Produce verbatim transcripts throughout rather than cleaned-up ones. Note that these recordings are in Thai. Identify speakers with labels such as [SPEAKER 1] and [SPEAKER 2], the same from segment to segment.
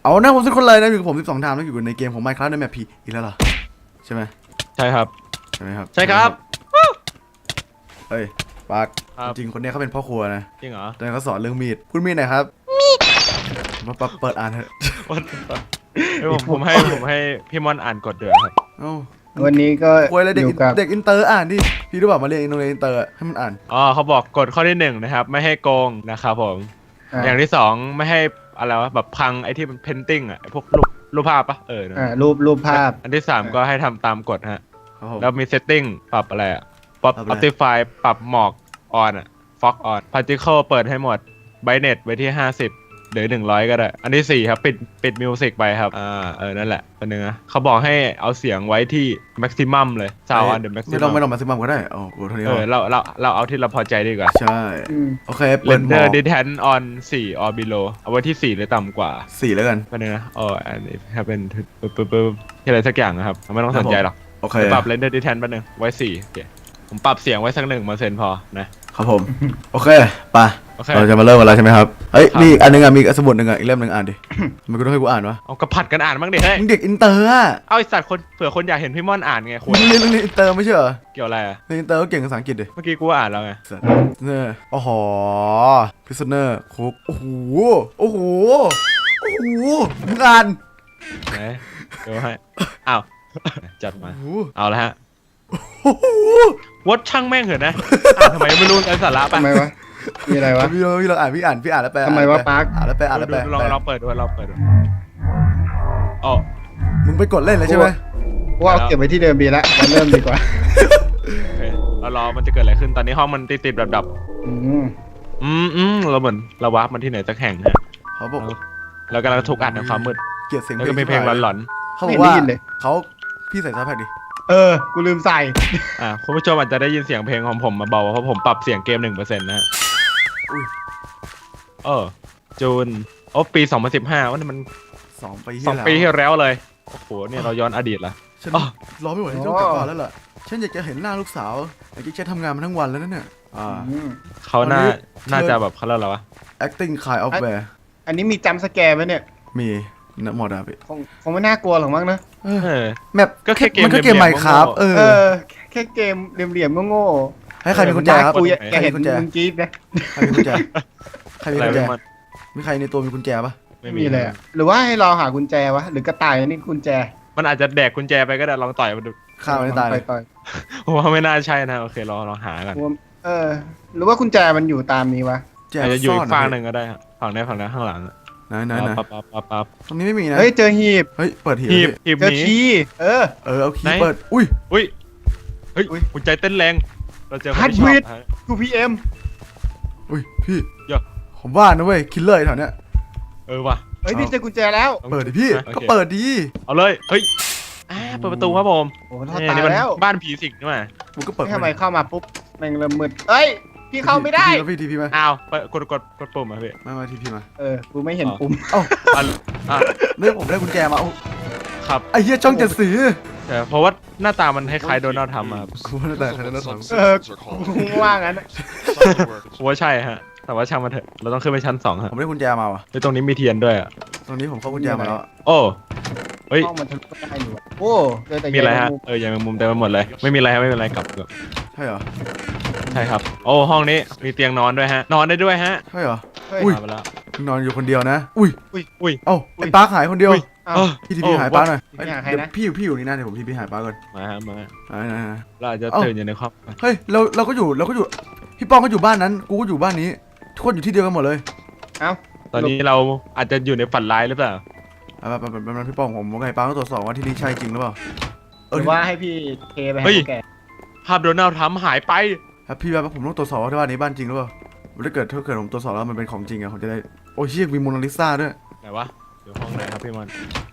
[SPEAKER 1] เอาหน้าผมสักคนเลยนะอยู่กับผมสิบสองทามแล้วอยู่ในเกมของ Minecraft ในแมปพีอีกแล้วเหรอใช่ไหม
[SPEAKER 2] ใช่ครับ
[SPEAKER 1] ใช่ไหมครับ
[SPEAKER 2] ใช่ครับ
[SPEAKER 1] เฮ้ยปาร์คจริงคนนี้เขาเป็นพ่อครัวนะ
[SPEAKER 2] จริงเหรอ
[SPEAKER 1] แต่เขาสอนเรื่องมีดพูดมีดหน่อยครับมีดมาปเปิดอ่านเถอะ
[SPEAKER 2] ผมผมให้ผมให้พี่มอนอ่านกฎเดือดครับ
[SPEAKER 1] เอ้า
[SPEAKER 3] วันนี้ก็
[SPEAKER 1] อยู่กับเด็กอินเตอร์อ่านดิพี่รู้ป่ะมาเรียนโรงเรียนอินเตอร์ให้มันอ่าน
[SPEAKER 2] อ๋อเขาบอกกฎข้อที่หนึ่งนะครับไม่ให้โกงนะครับผมอย่างที่สองไม่ให้อะไรวะแบบพังไอ้ที่มันเพนติ้งอ่ะพวกรูปรูปภาพปะเออ
[SPEAKER 3] อ่ารูปรูปภาพ
[SPEAKER 2] อันที่สามก็ให้ทำตามกฎฮะแล้วมีเซตติ้งปรับอะไรอ่ะปรับ Optify ปรับหมอกออนอ่ะฟ็อกออน Particle เปิดให้หมด Brightness ไว้ที่ห้าสิบหรือหนึ่งร้อยก็ได้อันที่สี่ครับปิดปิดมิวสิกไปครับอ่าเออนั่นแหละคนนึงนะเขาบอกให้เอาเสียงไว้ที่ maximum เลย sound on the maximum
[SPEAKER 1] ไม่ต้องไม่ต้อง maximum ก็ได้โอ้โหเท่านี้
[SPEAKER 2] เออเราเราเราเอาที่เราพอใจดีกว่า
[SPEAKER 1] ใช่โอเคเปิดหมอ
[SPEAKER 2] render distance on สี่ or below เอาไว้ที่สี่หรือต่ำกว่า
[SPEAKER 1] สี่แล้วกัน
[SPEAKER 2] คนนึงนะอ๋ออันนี้ถ้าเป็นปึ๊บปึ๊บปึ๊บที่อะไรสักอย่างนะครับไม่ต้องสนใจหรอก
[SPEAKER 1] โอเค
[SPEAKER 2] ปรับ render distance แป๊บนึงไว้สี่โอเคผมปรับเสียงไว้สักหนึ่งเปอร์เซ็นต์พอนะครับ
[SPEAKER 1] ผมโอเคไปเราจะมาเริ่มกันแล้วใช่ไหมครับเฮ้ยมีอันนึงอ่ะมีสมุดหนึ่งอ่ะอีกเล่มหนึ่งอ่านดิมันก็ต้องให้กูอ่านวะ
[SPEAKER 2] เอากระผัดกันอ่านบ้างดิเฮ้ย
[SPEAKER 1] มึงเด็กอินเตอร์อ่ะ
[SPEAKER 2] เอาไอสัตว์คนเผื่อคนอยากเห็นพี่ม่อนอ่านไงคุณ
[SPEAKER 1] เรียนเรียนอินเตอร์ไม่ใช่เหรอ
[SPEAKER 2] เกี่ยวอะไรอ่ะ
[SPEAKER 1] เรียนอินเตอร์ก็เก่งภาษาอังกฤษดิ
[SPEAKER 2] เมื่อกี้กูอ่านแล้วไง
[SPEAKER 1] เนี่ยโอ้โหพิซเนอร์คุกโอ้โหโอ้โหโอ้โหมึงอ่าน
[SPEAKER 2] ไหนเดี๋ยวให้อ้าวจัดมาเอาละฮะวดช่างแม่งเหรอนะทำไมไม่รู้ไอ้สาระปะ
[SPEAKER 3] ทำไมวะมีอะไรวะ
[SPEAKER 1] พี่พี่เราอ่านพี่อ่านพี่อ่านแล้วแปล
[SPEAKER 3] ทำไมวะปาร์ค
[SPEAKER 1] อ่านแล้วแปลอ่านแล้วแปล
[SPEAKER 2] ลองเราเปิดดูเราเปิดดูอ๋อ
[SPEAKER 1] มึงไปกดเล่นเลยใช่ไหม
[SPEAKER 3] ว่าเก็บไว้ที่เดิมดีละมาเริ่มดีกว่า
[SPEAKER 2] โอเคเรารอมันจะเกิดอะไรขึ้นตอนนี้ห้องมันติดติดดับดับ
[SPEAKER 3] อืม
[SPEAKER 2] อืมอืมเราเหมือนเราวาร์ปมันที่ไหนสักแห่งฮะ
[SPEAKER 1] เขาบอก
[SPEAKER 2] เรากำลังถูกอัดในความมืด
[SPEAKER 1] เกลียดเสียง
[SPEAKER 2] แล้วก็มีเพลงหลอน
[SPEAKER 1] ๆเขาบอกว่าเขาพี่ใส่ซาวด์แพ็กดิ
[SPEAKER 3] เออกูลืมใส่
[SPEAKER 2] อ่าคุณผู้ชมอาจจะได้ยินเสียงเพลงของผมมาเบาเพราะผมปรับเสียงเกมหนึ่งเปอร์เซ็นต์นะฮะ
[SPEAKER 1] อุ้ย
[SPEAKER 2] เออจูนโอ้ปีสองพันสิบห้าว่านี่มัน
[SPEAKER 1] สองปี
[SPEAKER 2] สองปีที่แล้วเลยโอ้โหเนี่ยเราย้อนอดีตละ
[SPEAKER 1] ฉันรอไม่ไหวที่ต้องกลับบ้านแล้วล่ะฉันอยากจะเห็นหน้าลูกสาวอยากจะทำงานมาทั้งวันแล้วนั่นเนี่ยอ่า
[SPEAKER 2] เขาน่าน่าจะแบบเขาเรียกอะไรวะ
[SPEAKER 1] acting kind of bear
[SPEAKER 3] อันนี้มีจัมป์สแกร์ไหมเนี่ย
[SPEAKER 1] มีนะหมดอ่ะพี่
[SPEAKER 3] คงคงไม่น่ากลัวหรอกมั้งนะ
[SPEAKER 1] แมปก็แค่เกมมันก็เกมใหม่ครับเออ
[SPEAKER 3] แค่เกมเหลี่ยมๆโง่
[SPEAKER 1] ๆให้ใครมีกุญแจครับ
[SPEAKER 3] กูแกเห็นกุญแจมึงจี๊ดนะ
[SPEAKER 1] ใครมีกุญแจใครมีกุญแจมีใครในตัวมีกุญแจปะ
[SPEAKER 3] ไม่มีเลยหรือว่าให้เราหากุญแจวะหรือกระต่ายนี่กุญแจ
[SPEAKER 2] มันอาจจะแดกกุญแจไปก็ได้ลองต่อยมันดู
[SPEAKER 1] ฆ่ามันตายเลย
[SPEAKER 2] ผมว่าไม่น่าใช่นะโอเครอรอหากัน
[SPEAKER 3] เออหรือว่ากุญแจมันอยู่ตามนี้วะ
[SPEAKER 2] อาจจะอยู่อีกฝั่งหนึ่งก็ได้ฝั่งนี้ฝั่งนี้ข้างหลัง
[SPEAKER 1] ไหนไหนไหน
[SPEAKER 2] ปั๊บปั๊บปั๊บปั๊บ
[SPEAKER 1] ตรงนี้ไม่มีนะ
[SPEAKER 3] เฮ้ยเจอหีบ
[SPEAKER 1] เฮ้ยเปิดหีบ
[SPEAKER 2] หีบหีบ
[SPEAKER 3] นี้เออ
[SPEAKER 1] เออเอาคีย์เปิดอุ้ย
[SPEAKER 2] อุ้ยเฮ้ยหัวใจเต้นแรงเราเจอ
[SPEAKER 3] ฮัตวิดกูพีเอ็ม
[SPEAKER 1] อุ้ยพี่ผมว่านะเว้ยคิลเลอร์แถวเนี้ย
[SPEAKER 2] เออว่ะ
[SPEAKER 3] เฮ้ยพี่เจอกุญแจแล้ว
[SPEAKER 1] เปิดดิพี่ก็เปิดดิ
[SPEAKER 2] เอาเลยเฮ้ยเปิดประตูครับผม
[SPEAKER 3] โอ้ตายแล้ว
[SPEAKER 2] บ้านผีสิงนี่มา
[SPEAKER 1] กูก็เปิด
[SPEAKER 3] ทำไมเข้ามาปุ๊บแม่งเริ่มมืดเอ้ยพี่เข้าไม่ได้
[SPEAKER 1] พี่ทีพีมา
[SPEAKER 2] อ้าวกดกดกดปุ่มมาพี่
[SPEAKER 1] มามาทีพีมา
[SPEAKER 3] เออกูไม่เห็นปุ่ม
[SPEAKER 1] เอ้าเนี่ยผมได้กุญแจมา
[SPEAKER 2] ครับ
[SPEAKER 1] ไอ้เหี้ยช่องเจ็ดสี
[SPEAKER 2] แต่เพราะว่าหน้าตามันคล้ายๆโดนัลด์ทำมา
[SPEAKER 1] กูว่าหน้าตาคล้ายโดนัลด์ทำ
[SPEAKER 3] เออกูว่างั้น
[SPEAKER 2] ผมว่าใช่ฮะแต่ว่าช่างมันเถอะเราต้องขึ้นไปชั้นสองฮะ
[SPEAKER 1] ผมได้กุญแจมาว่ะ
[SPEAKER 2] ตรงนี้มีเทียนด้วยอ่ะ
[SPEAKER 1] ตรงนี้ผมเข้ากุญแจมาแล้ว
[SPEAKER 2] โอ้เฮ้ย
[SPEAKER 3] ห้องมันทะลุได้อยู่โอ้
[SPEAKER 2] มีอะไรฮะเออยังมุมเต็มไปหมดเลยไม่มีอะไรไม่เป็นไรกลับกลับ
[SPEAKER 1] ใช่เหรอ
[SPEAKER 2] ใช่ครับโอ้ห้องนี้มีเตียงนอนด้วยฮะนอนได้ด้วยฮะ
[SPEAKER 1] ใช่เหรอ
[SPEAKER 2] อุ้ย
[SPEAKER 1] นอนอยู่คนเดียวนะอุ้ย
[SPEAKER 2] อุ้ยอุ้ย
[SPEAKER 1] เอ้าไอ้ป้าหายคนเดียวพี่ทีพีหายป้าหน่อยพี่อยู่พี่อยู่นี่นะเดี๋ยวผมทีพีหายป้าก่อน
[SPEAKER 2] มาฮะมา
[SPEAKER 1] เรา
[SPEAKER 2] อาจจะตื่นอยู่ในครอบ
[SPEAKER 1] เฮ้ยเราเราก็อยู่เราก็อยู่พี่ป้องก็อยู่บ้านนั้นกูก็อยู่บ้านนี้ทุกคนอยู่ที่เดียวกันหมดเลย
[SPEAKER 3] เอ้า
[SPEAKER 2] ตอนนี้เราอาจจะอยู่ในฝันร้ายหรือเปล่า
[SPEAKER 1] อ่าแบบแบบแบบพี่ป้องผมว่าไงป้าต้องตรวจสอบว่าที่นี่ใช่จริงหรือเปล่า
[SPEAKER 3] หรือว่าให้พี่เทไปให้แก
[SPEAKER 2] ภาพโดนัลด์ทำหายไป
[SPEAKER 1] ครับพี่ว่าผมต้องตรวจสอบว่าที่บ้านนี้บ้านจริงหรือเปล่าถ้าเกิดถ้าเกิดผมตรวจสอบแล้วมันเป็นของจริงอะผมจะได้โอ้ยเชี่ยมีโมนาลิซาด้วย
[SPEAKER 2] ไหนวะอยู่ห้องไหนครับพี่มัน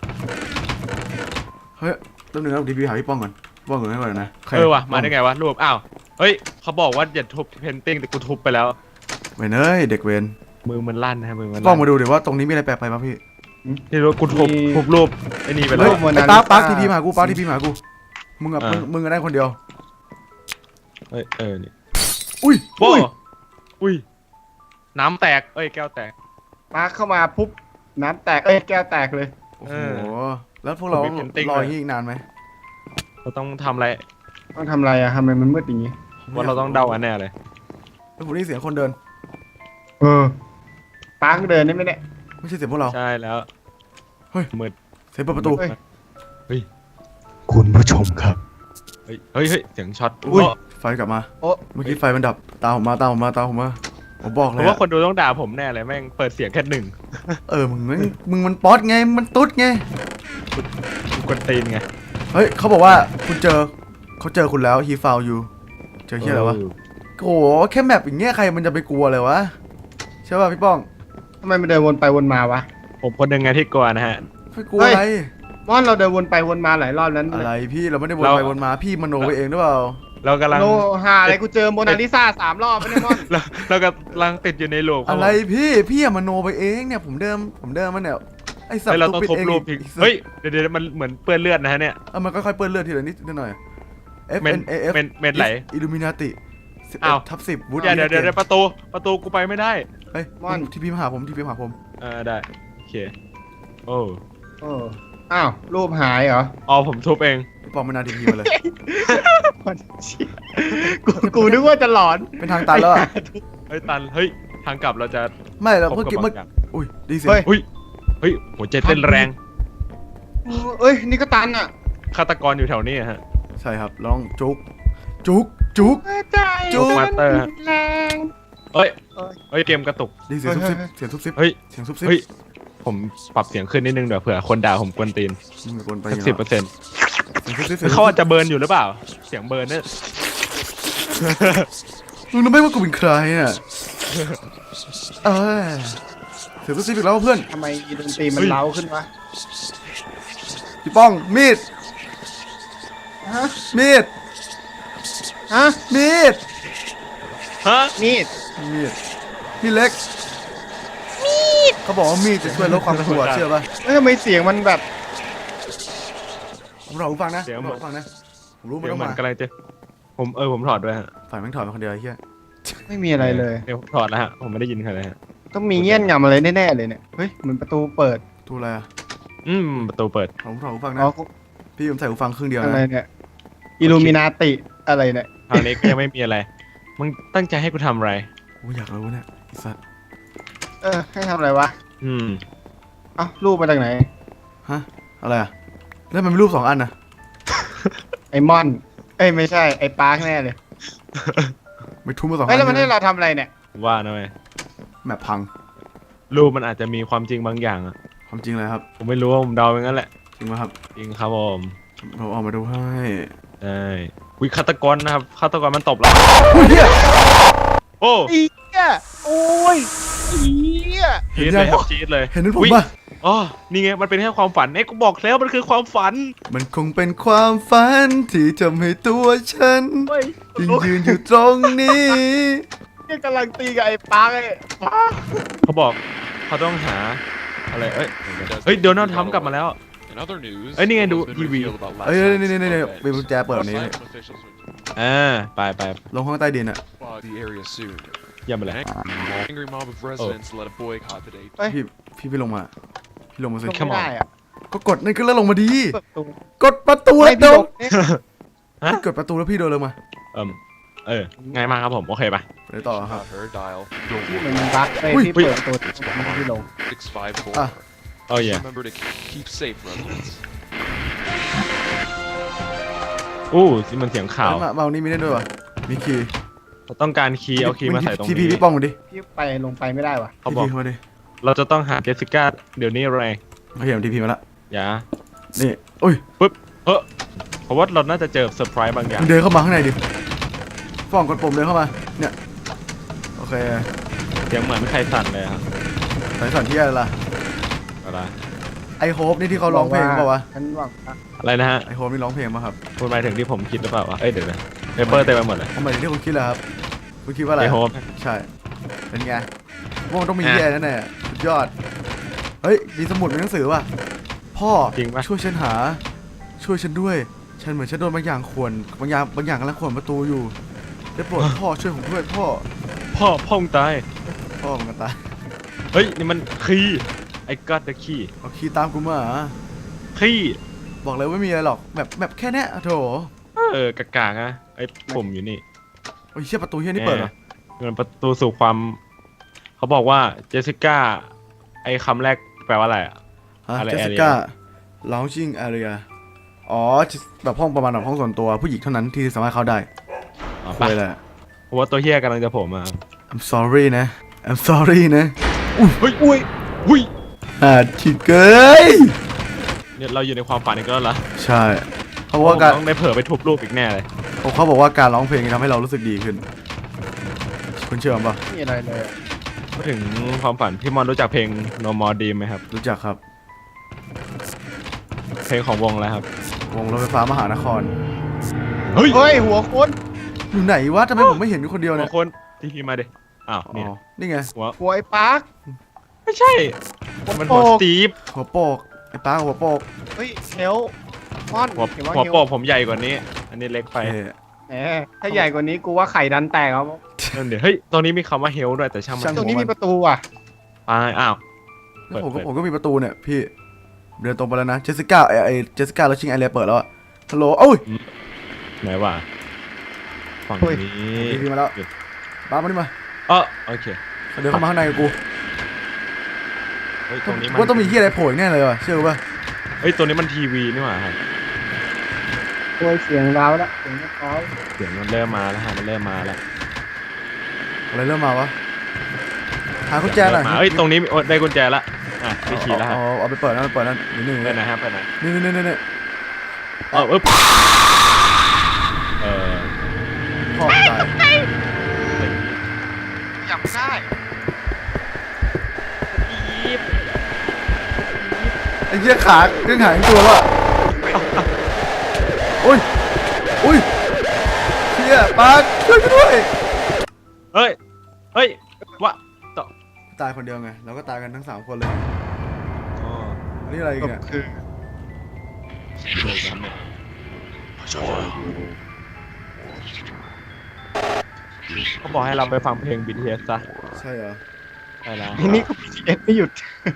[SPEAKER 1] เฮ้ยต้นหนึ่งแล้วทีพีหาพี่ป้องก่อนป้องก่อนให้ก่อนนะ
[SPEAKER 2] เออวะมาได้ไงวะรูปอ้าวเฮ้ยเขาบอกว่าอย่าทุบเพนติ้งแต่กูทุบไปแล้ว
[SPEAKER 1] เว้ยเนยเด็กเวน
[SPEAKER 2] มือมันลั่นนะมือมัน
[SPEAKER 1] ป้องมาดูเดี๋ยวว่าตรงนี้มีอะไรแปลกไปป่ะพี่
[SPEAKER 2] นี่รู้กูทุบทุบรูปไอ้นี่ไปแล้ว
[SPEAKER 1] ไอ้ป้าป้าทีพีมากูป้าทีพีมากูมึงอ่ะมึงมึงก็ได้คนเดียว
[SPEAKER 2] เฮ้ยเออนี่
[SPEAKER 1] อุ้ย
[SPEAKER 2] อุ้ยอุ้ยน้ำแตกเอ้ยแก้วแตก
[SPEAKER 3] ป้าเข้ามาปุ๊บน้ำแตกเอ้ยแก้วแตกเลย
[SPEAKER 1] โอ้โหแล้วพวกเรา
[SPEAKER 2] ผมมี painting
[SPEAKER 1] รอ
[SPEAKER 2] ด้วย
[SPEAKER 1] อย่างนี้อีกนานไหม
[SPEAKER 2] เราต้องทำอะไร
[SPEAKER 3] ต้องทำอะไรอะทำไมมันมืดอย่างงี้
[SPEAKER 2] ว่าเราต้องเดาอันแน่เลย
[SPEAKER 1] แล้วผมได้ยินเสียงคนเดิน
[SPEAKER 3] เออปังเดินได้ไหมเนี่ย
[SPEAKER 1] ไม่ใช่เสียงพวกเรา
[SPEAKER 2] ใช่แล้ว
[SPEAKER 1] เฮ้ย
[SPEAKER 2] มืด
[SPEAKER 1] เสียงเปิดประตู
[SPEAKER 3] เฮ้ย
[SPEAKER 2] เฮ้ย
[SPEAKER 3] คุณผู้ชมครับ
[SPEAKER 2] เฮ้ยเฮ้ยเฮ้ยเสียงช็อต
[SPEAKER 1] อุ้ย
[SPEAKER 2] เพราะ
[SPEAKER 1] ไฟกลับมา
[SPEAKER 3] โอ้
[SPEAKER 1] เมื่อกี้ไฟมันดับตามผมมาตามผมมาตามผมมาผมบอกเล
[SPEAKER 2] เพ
[SPEAKER 1] ย
[SPEAKER 2] ราะว่า
[SPEAKER 1] อะ
[SPEAKER 2] คนดูต้องด่าผมแน่เลยแม่งเปิดเสียงแค่หนึ่ง
[SPEAKER 1] เออมึงมึงมึงมันป๊อตไงมันตุ๊ดไง
[SPEAKER 2] กูกวนตีนไง
[SPEAKER 1] เฮ้ยเขาบอกว่าคุณเจอเขาเจอคุณแล้ว he found you เจอเฮียอะไรวะโอ้โหแค่แมปอย่างเงี้ยใครมันจะไปกลัวเลยวะใช่ป่ะพี่ป้อง
[SPEAKER 3] ทำไมมันเดินวนไปวนมาวะ
[SPEAKER 2] ผมคนหนึ่งไงที่กลัวนะฮะ
[SPEAKER 1] ไม่กลัวอะไร
[SPEAKER 3] มอนเราเดินวนไปวนมาหลายรอบนั้น
[SPEAKER 1] อะไรพี่เราไม่ได้วน
[SPEAKER 2] เรา
[SPEAKER 1] ไปวนมาพี่มโนไปเองหรือเปล่า
[SPEAKER 2] เรากำลัง
[SPEAKER 3] โลหาอะไรกูเจอโมนาลิซาสามรอบไม่ได้มอน
[SPEAKER 2] เราเรากำลังติดอยู่ในลูปคบ
[SPEAKER 1] อะไรพี่พี่อะมโนไปเองเนี่ยผมเดิมผมเดิมมันเนี่ยไอ้สัต
[SPEAKER 2] เฮ้ย
[SPEAKER 1] ว์
[SPEAKER 2] เราต้อง
[SPEAKER 1] ปิด
[SPEAKER 2] ทุบ
[SPEAKER 1] เอง
[SPEAKER 2] รูปทิ้ง
[SPEAKER 1] อีกสัตว์
[SPEAKER 2] เฮ้ยเดี๋ยวเดี๋ยวมันเหมือนเปื้อนเลือดนะฮะเนี่ย
[SPEAKER 1] เออมันค่อยๆเปื้อนเลือดทีละนิดนิดหน่อย F
[SPEAKER 2] เมน
[SPEAKER 1] N A F
[SPEAKER 2] เมนเมนไหล
[SPEAKER 1] อิลูมินาติ
[SPEAKER 2] อ้าว
[SPEAKER 1] ทับสิบวูด
[SPEAKER 2] เดี๋ยวเดี๋ยวเดี๋ยวเดี๋ยวประตูประตูกูไปไม่ได้
[SPEAKER 1] เฮ้ยที่พี่มาหาผมที่พี่มาหาผม
[SPEAKER 2] เออได้โอเคโอ้
[SPEAKER 3] โอ้อ้าวรูปหายเหรอ
[SPEAKER 2] อ๋อผมทุบเอง
[SPEAKER 1] พี่ปองไม่นาทีพีมาเลย
[SPEAKER 3] กูกูนึกว่าจะหลอน
[SPEAKER 1] เป็นทางตันแล้วอะ
[SPEAKER 2] เฮ้ยตันเฮ้ยทางกลับเราจะ
[SPEAKER 1] ไม่เรา
[SPEAKER 2] พบ
[SPEAKER 1] เมื่อ
[SPEAKER 2] กับ
[SPEAKER 1] กี้
[SPEAKER 2] บา
[SPEAKER 1] เมื่อง
[SPEAKER 2] อย่าง
[SPEAKER 1] อุ้ยดีเสียง
[SPEAKER 3] เฮ้ย
[SPEAKER 2] อุ้ยเฮ้ยหัวใจเต้นแรง
[SPEAKER 3] เอ้ยนี่ก็ตันอ่ะ
[SPEAKER 2] ฆาตกรอยู่แถวนี้อะฮะ
[SPEAKER 1] ใช่ครับลองจุกจุกจุก
[SPEAKER 3] ใจ
[SPEAKER 1] จุ๊บ
[SPEAKER 2] มาสเตอร์
[SPEAKER 3] แรง
[SPEAKER 2] เอ้ย
[SPEAKER 3] เอ้ย
[SPEAKER 2] เฮ้ยเกมกระตุก
[SPEAKER 1] ดีเสียงซุบซิบเสียงซุบซิบ
[SPEAKER 2] เฮ้ย
[SPEAKER 1] เสียงซุบซิบ
[SPEAKER 2] เฮ้ยผมปรับเสียงขึ้นนิดนึงเดี๋ยวเผื่อคนด่าผมกวนตีน
[SPEAKER 1] มึงเป็นคนไป
[SPEAKER 2] สัก
[SPEAKER 1] ยัง
[SPEAKER 2] สิบ
[SPEAKER 1] ไง
[SPEAKER 2] เปอร์เซ็นต์
[SPEAKER 1] เสียงซุบซิบเสียง
[SPEAKER 2] เขาอาจจะเบิร์นอยู่หรือเปล่า เสียงเบิร์นเนี่ย
[SPEAKER 1] มึงรู้ไหมว่ากูเป็นใครอ่ะเอ้ยเสียงซุบซิบอีกแล้วเพื่อน
[SPEAKER 3] ทำไมดนตรีมันเล้าขึ้นวะ
[SPEAKER 1] พี่ป้องมีด
[SPEAKER 3] ฮะ
[SPEAKER 1] มีด
[SPEAKER 3] ฮะ
[SPEAKER 1] มีด
[SPEAKER 2] ฮะ
[SPEAKER 3] มีด
[SPEAKER 1] มีดมีดเล็กมีดเขาบอกว่ามีดจะช่วยลดความกลัวเชื่อป่ะ
[SPEAKER 3] เอ้ยทำไมเสียงมันแบบ
[SPEAKER 1] ผมรอหูฟังนะผมรอหูฟังนะผมรู้มัน
[SPEAKER 2] เดี๋ยว
[SPEAKER 1] ต้อง
[SPEAKER 2] มัน
[SPEAKER 1] มาก
[SPEAKER 2] ำลังจะผมเออผมถอดด้วยฮะ
[SPEAKER 1] ฝ่ายแม่งถอยมาคนเดียวไอ้เหี้ย
[SPEAKER 3] ไม่มีอะไรเลย
[SPEAKER 2] เดี๋ยวผมถอดแล้วฮะผมไม่ได้ยินใครเลยฮะ
[SPEAKER 3] ต้องมีเงี้ยนงำอะไรแน่ๆเลยเนี่ยเฮ้ยเหมือนประตูเปิด
[SPEAKER 1] ทูอะไรอ่ะ
[SPEAKER 2] อืมประตูเปิด
[SPEAKER 1] ผมถอดหูฟัง
[SPEAKER 3] อ๋
[SPEAKER 1] นะ
[SPEAKER 3] อ
[SPEAKER 1] พี่ผมใส่หูฟังครึ่งเดียว
[SPEAKER 3] อะไร
[SPEAKER 1] นะ
[SPEAKER 3] เนี่ยอิลูมินาติอะไรเนี่ย
[SPEAKER 2] คราวนี้ก็ยังไม่มีอะไรมึงตั้งใจให้กูทำอะไร
[SPEAKER 1] โอ้ยอยากรู้เนี่ยไอ้สัตว์
[SPEAKER 3] เออให้ทำอะไรวะ
[SPEAKER 2] อืม
[SPEAKER 3] เอ้ารูปมาจากไหน
[SPEAKER 1] ฮะอะไรอ่ะแล้วมันมีรูปสองอันนะ
[SPEAKER 3] ไอมอน เอ้ยไม่ใช่ไอปาร์คแน่เลย
[SPEAKER 1] ไม่ทุ่มมาสองอั
[SPEAKER 3] เฮ้ยแล้วมันให้
[SPEAKER 1] น
[SPEAKER 3] เราทำอะไรเนี่ย
[SPEAKER 2] ว่านะเว้ย
[SPEAKER 1] แมปพัง
[SPEAKER 2] รูปมันอาจจะมีความจริงบางอย่างอะ
[SPEAKER 1] ความจริงเลยครับ
[SPEAKER 2] ผมไม่รู้ว่าผมเดาอย่างนั้นแหละ
[SPEAKER 1] จริงไหมครับ
[SPEAKER 2] จริงครับผม
[SPEAKER 1] เราเอามาดูให้
[SPEAKER 2] ใช่วิฆาตกรนะครับฆาตกรมันตบเรา
[SPEAKER 1] โอ้ยเหี้ย
[SPEAKER 2] โอ้
[SPEAKER 3] อีเหี้ยโอ้ยอีเหี้ย
[SPEAKER 2] จี๊ดเลยครับจี๊ดเลย
[SPEAKER 1] เห็นนั้นผม
[SPEAKER 2] อุ๊ย
[SPEAKER 1] ป่ะ
[SPEAKER 2] อ๋อนี่ไงมันเป็นแค่ความฝันเอ้ยกูบอกแล้วมันคือความฝัน
[SPEAKER 1] มันคงเป็นความฝันที่ทำให้ตัวฉัน
[SPEAKER 3] เฮ้ย
[SPEAKER 1] ยังยืนอยู่ตรงนี้
[SPEAKER 3] เนี่ยกำลังตีกับไอปาร์คไอ้ปาร์ค
[SPEAKER 2] เขาบอกเขาต้องหาอะไรเอ้ยเฮ้ยโดนัลด์ทรัมป์กลับมาแล้ว
[SPEAKER 4] In other news,
[SPEAKER 2] Ê, đi nghe
[SPEAKER 4] it
[SPEAKER 2] đủ
[SPEAKER 4] has been
[SPEAKER 2] ti vi.
[SPEAKER 4] revealed about last
[SPEAKER 1] เอ้ย
[SPEAKER 4] night's
[SPEAKER 1] นี่นี่นี่นี่
[SPEAKER 4] suspect
[SPEAKER 1] มีกุญแจเปิดแบบนี้
[SPEAKER 4] Asylum officials will
[SPEAKER 2] อ่าไปไป
[SPEAKER 1] ลงห้องใต้ดินอ่ะ
[SPEAKER 4] flood the area soon.
[SPEAKER 2] เยี่ยมไปเลย
[SPEAKER 4] An angry mob of residents led a boycott today.
[SPEAKER 1] พี่พี่พี่ลงมา พี่ลงมาสิ
[SPEAKER 3] ลงไม่ได้อะ
[SPEAKER 1] ก็กดนั่นก็แล้วลงมาดี
[SPEAKER 3] เปิดประตู
[SPEAKER 1] กดประตู
[SPEAKER 3] ไม่
[SPEAKER 1] แล้ว
[SPEAKER 3] พี่
[SPEAKER 1] โด
[SPEAKER 3] ล
[SPEAKER 1] น
[SPEAKER 3] งเนี่ย
[SPEAKER 2] ฮะ
[SPEAKER 1] กดประตูแล้วพี่โดนลงมา
[SPEAKER 2] เอิมเออง่ายมากครับผมโอเคปะ
[SPEAKER 1] ไปต่อครับ
[SPEAKER 4] About her dial
[SPEAKER 3] ที่มันบั๊กไป
[SPEAKER 1] อุ้ย
[SPEAKER 3] ที่เปิดประตูมันที่ลง
[SPEAKER 4] six five four.
[SPEAKER 1] อ่ะ
[SPEAKER 2] โอ้ย
[SPEAKER 4] Remember to keep safe, residents.
[SPEAKER 2] อู้สิมันเสียงข่าว
[SPEAKER 1] มาเมานี่มีได้ด้วยวะมีคีย์
[SPEAKER 2] เราต้องการคีย์เอาคีย์มาใส่ตรง
[SPEAKER 1] ทีพี
[SPEAKER 2] นี้
[SPEAKER 1] พี่ป้องมาดิ
[SPEAKER 3] พี่ไปลงไปไม่ได้วะ
[SPEAKER 2] เขา
[SPEAKER 1] ที
[SPEAKER 2] บอก
[SPEAKER 1] พีมาดิ
[SPEAKER 2] เราจะต้องหาเจสสิก้าเดี๋ยวนี้แรง
[SPEAKER 1] เขาเห็นทีพีมาละ
[SPEAKER 2] อย่า
[SPEAKER 1] นี่อุ้ย
[SPEAKER 2] ปึ๊บเออเพราะว่าเราน่าจะเจอเซอร์ไพรส์บางอย่าง
[SPEAKER 1] มึงเดินเข้ามาข้างในดิป้องกดปุ่มเดินเข้ามาเนี่ยโอเค
[SPEAKER 2] เสียงเหมือนใครสั่นเลยครับ
[SPEAKER 1] สายสันที่อะไรล่ะ
[SPEAKER 2] อะไร
[SPEAKER 1] ไอโฮปนี่ที่เขาร้องเพลงเปล่าวะ
[SPEAKER 3] ฉันหวังว่า
[SPEAKER 2] อะไรนะฮะ
[SPEAKER 1] ไอโฮปนี่ร้องเพลงป่ะครับ
[SPEAKER 2] คุณหมายถึงที่ผมคิดหรือเปล่าวะเอ้ยเดี๋ยวนะเปเปอร์เต็มไปหมดเลย
[SPEAKER 1] ทำไมถึงที่คุณคิดล่ะครับคุณคิดว่าอะไร
[SPEAKER 2] ไอโฮป
[SPEAKER 1] ใช่เป็นไงว่ามันต้องมี
[SPEAKER 2] อ่ะ
[SPEAKER 1] แย่แน่ๆสุดยอดเฮ้ยมีสมุดมีหนังสือว่ะพ่อ
[SPEAKER 2] จริงปะ
[SPEAKER 1] ช่วยฉันหา ช่วยฉันด้วย ฉันเหมือนฉันโดนบางอย่างข่วนบางอย่างบางอย่างกำลังข่วนประตูอยู่ได้โปรด พ่อช่วยผมด้วยพ่อ
[SPEAKER 2] พ่อพ่อมึงตาย
[SPEAKER 1] พ่อมันก็ตาย
[SPEAKER 2] เฮ้ยนี่มันคีย์ I got the key
[SPEAKER 1] เอาคีย์ตามกูมาเหรอ
[SPEAKER 2] ขี้
[SPEAKER 1] บอกเลยว่าไม่มีอะไรหรอกแบบแบบแค่เนี้ยโถ
[SPEAKER 2] เออกากาๆนะไอ้ปุ่มอยู่นี่
[SPEAKER 1] โอ้ยเชี่ยประตูเฮียนี่เปิดเหรอ
[SPEAKER 2] เงินประตูสู่ความ เขาบอกว่าเจสสิก้าไอ้คำแรกแปลว่าอะไรอ่ะ
[SPEAKER 1] ฮะ
[SPEAKER 2] อะไร
[SPEAKER 1] เจสสิ
[SPEAKER 2] area
[SPEAKER 1] ก้า lounging area อ๋อแบบห้องประมาณแบบห้องส่วนตัวผู้หญิงเท่านั้นที่สามารถเข้าได้
[SPEAKER 2] อ๋อ
[SPEAKER 1] คุ
[SPEAKER 2] ปะ
[SPEAKER 1] ยเลย
[SPEAKER 2] เพราะว่าตัวเฮียกำลังจะโผล่มา
[SPEAKER 1] I'm sorry นะ I'm sorry นะ
[SPEAKER 2] เฮ้ยอุ้ยอุ้ย
[SPEAKER 1] อ่าชิเกย
[SPEAKER 2] เนี่ยเราอยู่ในความฝันอีกแล้วเหรอ
[SPEAKER 1] ใช่เขาบอกว่าการ
[SPEAKER 2] ต้องได้เผลอไปทุบรูปอีกแน่เลย
[SPEAKER 1] เขาบอกว่าการร้องเพลงทำให้เรารู้สึกดีขึ้น คุณเชื่อมั้ย
[SPEAKER 3] ไม่มีอะไรเลยอะ
[SPEAKER 2] พูดถึงความฝันพี่มอนรู้จักเพลง No More Dream ไหมครับ
[SPEAKER 1] รู้จักครับ
[SPEAKER 2] เพลงของวงอะไรครับ
[SPEAKER 1] วงรถไฟฟ้ามหานคร
[SPEAKER 2] เฮ้ย
[SPEAKER 3] เฮ้ย หัวคน
[SPEAKER 1] อยู่ไหนวะทำไมผมไม่เห็นอยู่คนเดียว
[SPEAKER 2] หั
[SPEAKER 1] เนี่
[SPEAKER 2] วย คนที่พี่มาดิอ้าว
[SPEAKER 1] อ๋
[SPEAKER 2] เนี่ย
[SPEAKER 1] อนี่ไง
[SPEAKER 2] หัว
[SPEAKER 3] หัวไอ้ปาร์ค
[SPEAKER 2] ไม่ใช่มันหัว
[SPEAKER 3] โป
[SPEAKER 2] ส
[SPEAKER 3] ก
[SPEAKER 2] ตีฟ
[SPEAKER 1] หัวโปกไอ้ป้าหัวโปก
[SPEAKER 3] เฮ้ยเฮลมอน
[SPEAKER 2] หัว
[SPEAKER 3] เห็นว่า
[SPEAKER 2] หัว
[SPEAKER 3] เฮล
[SPEAKER 2] โปกผมใหญ่กว่านี้ อันนี้เล็กไป
[SPEAKER 1] เอ้ย
[SPEAKER 3] แหมถ้าใหญ่กว่านี้กูว่าไข่ดันแตกครับ
[SPEAKER 2] นั่นเดี๋ยวเฮ้ยตรงนี้มีคำว่าเฮลด้วยแต่ช่างมัน
[SPEAKER 3] ตรงนี้มีประตูอ่ะ
[SPEAKER 2] ตายอ้าว
[SPEAKER 1] แล้วผม
[SPEAKER 2] เปิ
[SPEAKER 1] ก็
[SPEAKER 2] ด
[SPEAKER 1] ผมก็มีประตูเนี่ยพี่เดินตรงไปแล้วนะเจสสิก้าไอไอเจสสิก้าแล้วชิงไอเรียเปิดแล้วอะฮัลโหลโอ้ย
[SPEAKER 2] ไหนวะฝั่ง
[SPEAKER 3] เฮ้ย
[SPEAKER 2] นี้
[SPEAKER 1] พี่พี่มาแล้วป้ามานี่มา
[SPEAKER 2] เออโอเค
[SPEAKER 1] เดินเข้ามาข้างในกับกู
[SPEAKER 2] เฮ้ยตรงนี้มัน
[SPEAKER 1] ว่าต้องมีที่อะไรโผล่อีกแน่เลยว่ะเชื่อป่ะ
[SPEAKER 2] เฮ้ยตัวนี้มันทีวีนี่หว่าครับ
[SPEAKER 3] ตัวเสียงราวแล้วเสียงร้าว
[SPEAKER 2] เสียงมันเริ่มมาแล้วฮะมันเริ่มมาแล้ว
[SPEAKER 1] อะไรเริ่มมาวะหากุญแจหน่อย
[SPEAKER 2] เริ่มมาเอ้ยตรงนี้โอ๊ยได้กุญแจละอ่ะได้ขี่แล้วฮะ
[SPEAKER 1] เอาเอาไปเปิดนะไปเปิดนั่นนิดนึง
[SPEAKER 2] ไปไหนฮะไปไหน
[SPEAKER 1] นี่นี่นี่นี่
[SPEAKER 2] เออเออเออ
[SPEAKER 1] พ่อตาย
[SPEAKER 3] จับได้
[SPEAKER 1] ไอ้เหี้ยขาเครื่องหายตัวว่ะอุ้ยอุ้ยเชี่ยป้าช่วยกูด้วย
[SPEAKER 2] เฮ้ยเฮ้ย วะต่อ
[SPEAKER 1] ตายคนเดียวไงเราก็ตายกันทั้งสามคนเลย
[SPEAKER 2] อ๋อ
[SPEAKER 1] อันนี้อะไรอีกเนี่ย
[SPEAKER 3] คือ
[SPEAKER 2] เลยครับเนี่ยเขาบอกให้เราไปฟังเพลง บี ที เอส ซะ
[SPEAKER 1] ใช่เหรอ
[SPEAKER 2] ใช่แล้ว
[SPEAKER 3] ไอ้นี่ก็ บี ที เอส ไม่หยุด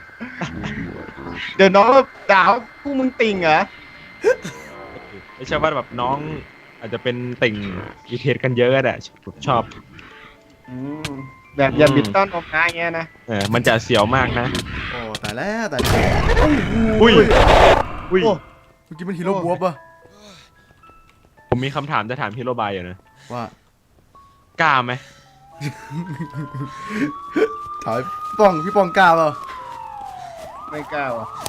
[SPEAKER 3] เดี๋ยวน้องด่าว่าพวกมึงติ่งเหรอ
[SPEAKER 2] ไม่ใช่ว่าแบบน้องอาจจะเป็นติ่ง บี ที เอส กันเยอะก็ได้ชอบ
[SPEAKER 3] อืมแบบอย่าบิดต้อนออกง่ายเงี้ยนะ
[SPEAKER 2] เออมันจะเสียวมากนะ
[SPEAKER 1] โอ้ตายแล้วตายแล้ว
[SPEAKER 2] อุ้ย อุ้ย
[SPEAKER 3] โอ้
[SPEAKER 1] เมื่อกี้มันฮีโร่บวบป่ะ
[SPEAKER 2] ผมมีคำถามจะถามพี่โรบายอยู่นะ
[SPEAKER 1] ว่า
[SPEAKER 2] กล้าไหม
[SPEAKER 1] ถอยป้องพี่ป้องกล้าเปล่า
[SPEAKER 3] ไม่กล้าว่ะ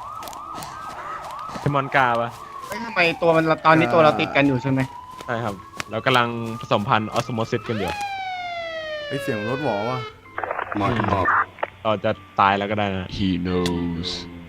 [SPEAKER 2] พี่มอนกล้าปะ
[SPEAKER 3] เฮ้ยทำไมตัวมันตอนนี้ตัวเราติดกันอยู่ใช่ไหม
[SPEAKER 2] ใช่ครับ เรากำลังผสมพันธุ์ออสโมซิสกันอยู่
[SPEAKER 1] ไอเสียงรถหวอว่ะ
[SPEAKER 4] Mark him up.
[SPEAKER 2] เราจะตายแล้วก็ได้นะ
[SPEAKER 4] He knows.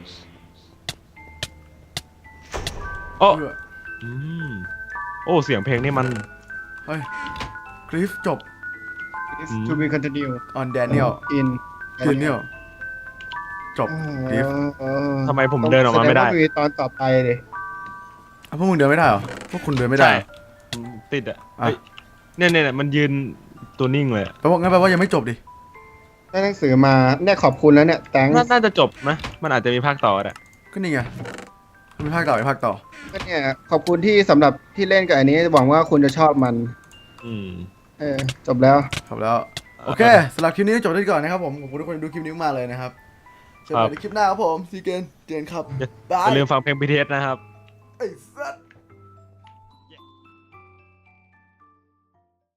[SPEAKER 2] โอ้
[SPEAKER 1] เพื่อ
[SPEAKER 2] อืมโอ้เสียงเพลงนี่มัน
[SPEAKER 1] เฮ้ยคลิฟจบ
[SPEAKER 3] Is to be continue
[SPEAKER 1] on Daniel
[SPEAKER 3] in
[SPEAKER 1] Daniel จบคลิฟ
[SPEAKER 3] เออ
[SPEAKER 2] ทำไมผมเดินออกมาไม่ได้
[SPEAKER 3] แสงว่มีตอนต่อไปเลย
[SPEAKER 1] อ่ะพวกมึงเดินไม่ได้เหรอพวกคุณเดินไม่ได้
[SPEAKER 2] ใช่
[SPEAKER 1] เหรอ
[SPEAKER 2] ติดอ่ะ
[SPEAKER 1] อ่ะ
[SPEAKER 2] เฮ้ยเนี่ยเนี่ยเนี่ยมันยืนตัวนิ่งเลยอะ
[SPEAKER 1] แปลว่างั้นแปลว่ายังไม่จบดิ
[SPEAKER 3] ได้หนังสือมาเนี่ยขอบคุณแล้วเนี่ยแตง
[SPEAKER 2] น่าน่าจะจบนะมันอาจจะมีภาคต่อแหละ
[SPEAKER 1] ก็นี่ไงมีภาคต่อมีภาคต่อ
[SPEAKER 3] ก็เนี่ยขอบคุณที่สำหรับที่เล่นกับอันนี้หวังว่าคุณจะชอบมัน
[SPEAKER 2] อืม
[SPEAKER 3] เออจบแล้ว
[SPEAKER 1] จบแล้ว โอเคสำหรับคลิปนี้จบได้ก่อนนะครับผมขอบคุณทุกคนที่ดูคลิปนี้มากเลยนะครับเจอกันในคลิปหน้าครับผมซีเกนเจนครับ
[SPEAKER 2] อย่าลืมฟังเพลง บี ที เอส นะครับ
[SPEAKER 1] ไอ้สัส